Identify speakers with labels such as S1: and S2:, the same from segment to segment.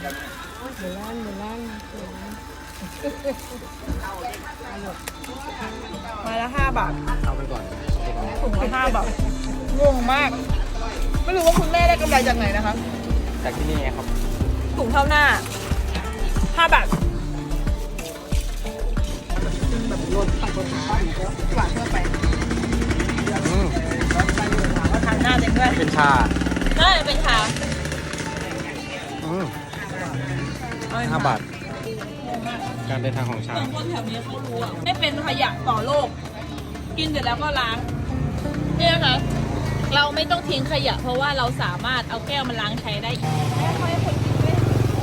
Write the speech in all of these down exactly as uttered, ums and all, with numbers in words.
S1: เดี๋ยวล้านเดี๋ยวล้าน
S2: มาละห้าบาท
S3: เอาไปก่อน
S2: ถุงละห้าบาทงงมาก ไม่รู้ว่าคุณแม่ได้กำไรจากไหนนะคะ
S3: จากที่นี่ไงครับ
S2: ถุงเท่าหน้าห้าบาทแบบรถตักรถหวานเพื่อไป
S3: อืม
S2: ทานหน้าเองด้วย
S3: เป็นชา
S2: น่าจะเป็นชา
S3: อืมห้าบาท การเดินทางของชา
S2: คนแถวนี้เขารู้อ่ะไม่เป็นขยะต่อโลก กินเสร็จแล้วก็ล้างนี่นะคะเราไม่ต้องทิ้งขยะเพราะว่าเราสามารถเอาแก้วมาล้างใช้ได้อีกแม่ค่อยคนกินด้วย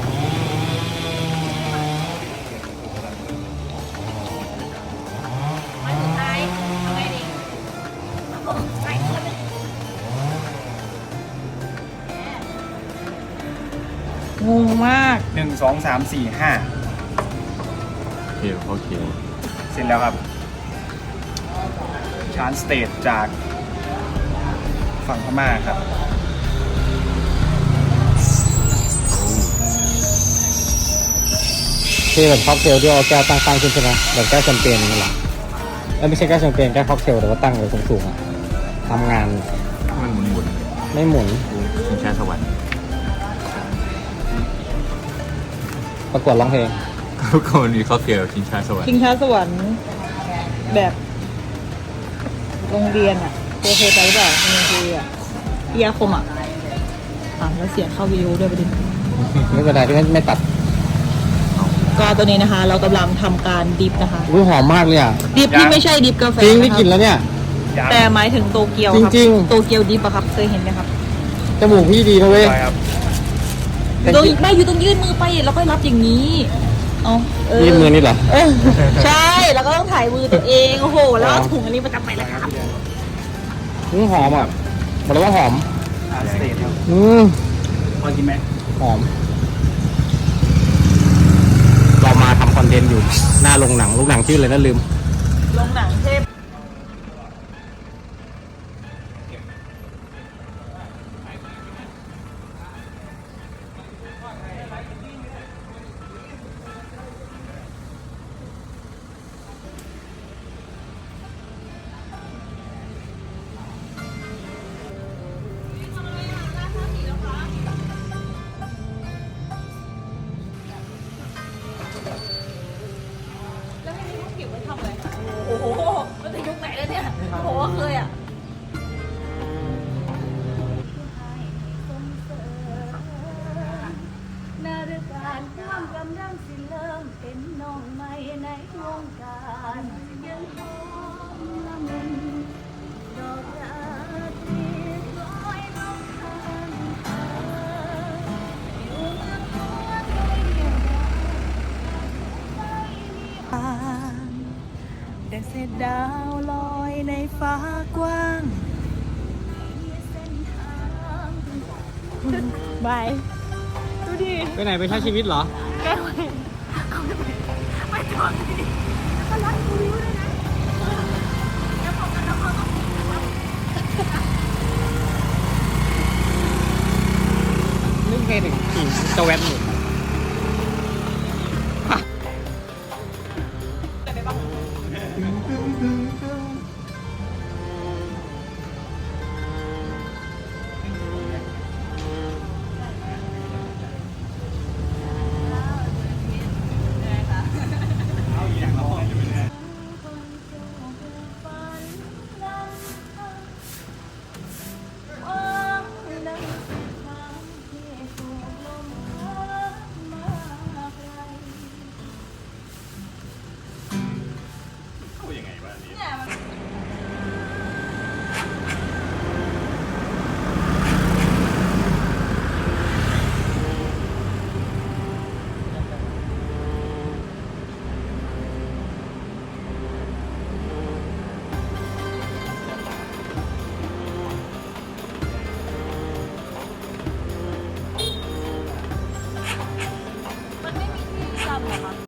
S2: มาสุดท้ายทำไงดีใส่คนนึงงงมาก
S4: หนึ่งสองสามสี่ห้า
S3: โอเคโอเค
S4: เสร็จแล้วครับ ชานสเตทจากฝั่งพม่าครับ
S3: คือแบบค็อกเทลที่เอาแก้วตั้งๆขึ้นใช่ไหมแบบแก้วแชมเปญนี่แหละเอ้ยไม่ใช่แก้วแชมเปญแก้วค็อกเทลแต่ว่าตั้งไว้สูงๆอ่ะทำงาน
S5: มันหมุนหมุน
S3: ไม่หมุน
S5: ชิงช้าสวรรค์
S3: ประกวดร้องเพลง
S5: ก็มันมีค็อกเทลชิงช้าสวรรค์
S2: ชิงช้าสวรรค์แบบโรงเรียนอ่ะเคยเคยไปหรือเปล่าโรงเรียนครูอ่ะเอียคมอ่ะอ่ะแล้วเสียงเข้าวิดีโอด้วยประเด็น
S3: ไม่เป็นไรที่ไม่ไม่ตัด
S2: ก็ตัวนี้นะคะ เรากำลังทำการดิฟนะคะ
S3: อุ้ยหอมมากเลยอ่ะ
S2: ดิฟที่ไม่ใช่ดิฟกาแฟ
S3: จริงได้
S2: ะครับ
S3: กลินแล้วเนี่ย
S2: แต่หมายถึงโตเกียวครับ
S3: จริงๆ
S2: โตเกียวดิฟอะครับเคยเห็นไหมครับ
S3: จมูกพี่ดีนะเว้ย
S4: ใช่ครับ
S2: ตรงไม่อยู่ตรงยื่นมือไปแล้วก็รับอย่างนี้เอาเออ
S3: ยื่นมือนี่เหรอ
S2: เออใช่แล้วก็ต้องถ่ายมือตัวเองโอ้โหแล้วเอาถุงอันนี้มาจับไปแล้วครับ
S3: อืมหอมอ่ะบอกเลยว่าหอม
S4: ชานสเตทครับ
S3: อืม
S4: พอกินไหม
S3: หอม เรามาทำคอนเทนต์อยู่หน้าโรงหนังโรงหนังชื่ออะไรนะลืม
S2: ลงหนังเทพแล้วให้เขาเก็บไว้ทำอะไรคะโอ้โหมันจะยุคไหนแล้วเนี่ยโอ้โหเคยอ่ะ
S1: นาฬิกาความกำลังสิเริ่มเป็นน้องใหม่ในวงการยังหอมละมุนดอกราตรีลอยลงทางเธออยู่เมื่อตัวตัวเดียวแต่เศษดาวลอยในฟ้ากว้างบายดูดิ
S3: ไปไหนไปใช้ชีวิตเหรอ
S1: แก้วเห็นเขาจะไปไปจอดที่นี่ก็รัดกูริ้วด้วยนะแล้วพอกันแล้วเขาก็
S3: นึกเพลงถึงขี่สแวนอยู่